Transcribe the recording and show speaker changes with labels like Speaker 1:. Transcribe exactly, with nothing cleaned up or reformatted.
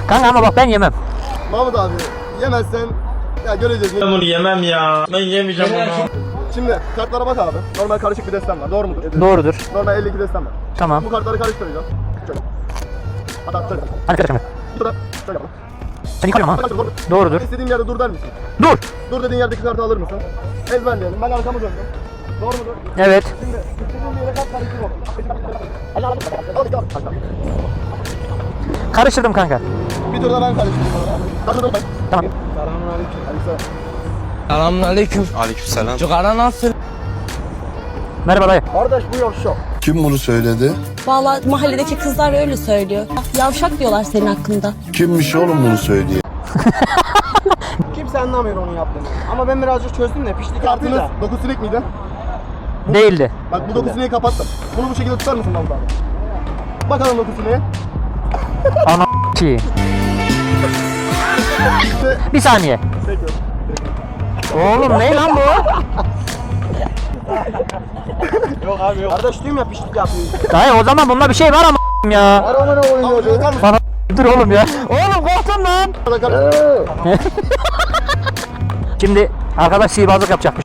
Speaker 1: Kanka ama bak ben yemem.
Speaker 2: Mahmut abi yemezsen ya göreceğiz.
Speaker 3: Ben bunu yemem ya. Ben yemeyeceğim bunu.
Speaker 2: Şimdi kartlara bak abi. Normal karışık bir destem var. Doğru mudur?
Speaker 1: Doğrudur.
Speaker 2: Normal elli iki destem var.
Speaker 1: Tamam.
Speaker 2: Bu kartları karıştıracağım. Şöyle. Hatta şöyle.
Speaker 1: Hadi karışma.
Speaker 2: Burada şöyle yapalım.
Speaker 1: Sen yıkarım ha. Doğrudur.
Speaker 2: İstediğim yerde dur der misin?
Speaker 1: Dur.
Speaker 2: Dur dediğin yerdeki kartı alır mısın? Ezberleyelim. Ben arkamı döndüm. Doğru mudur?
Speaker 1: Evet.
Speaker 2: Şimdi istediğim yere kart karıştırma.
Speaker 1: Karıştırdım kanka.
Speaker 2: Bir turda ben karıştırdım. Karıştırdım ben.
Speaker 1: Tamam.
Speaker 2: Selamünaleyküm. Aleykümselam.
Speaker 4: Selamünaleyküm.
Speaker 5: Aleykümselam.
Speaker 4: Cigara nasıl?
Speaker 1: Merhaba dayı.
Speaker 2: Kardeş bu yok şok.
Speaker 6: Kim bunu söyledi?
Speaker 7: Vallahi mahalledeki kızlar öyle söylüyor. Yavşak diyorlar senin hakkında.
Speaker 6: Kimmiş oğlum bunu söyleyen?
Speaker 8: Kimse anlamıyor onu yaptığını. Ama ben birazcık çözdüm de pişlik
Speaker 2: Kartınız
Speaker 8: kartıyla.
Speaker 2: dokuz sinek miydi?
Speaker 1: Değildi.
Speaker 2: Bak bu dokuz sineği kapattım. Bunu bu şekilde tutar mısın Mahmut abi? Bakalım dokuz sineği.
Speaker 1: Ana ki. Bir saniye.
Speaker 2: Peki.
Speaker 1: Oğlum ne lan bu?
Speaker 8: Yok abi yok. Kardeş diyorum ya pişlik yapıyor.
Speaker 1: Dayı o zaman bunda bir şey var ama ya.
Speaker 2: Arama ne oynuyor?
Speaker 1: Bana dur oğlum ya. Oğlum korktum lan. Şimdi arkadaş sihirbazlık yapacakmış.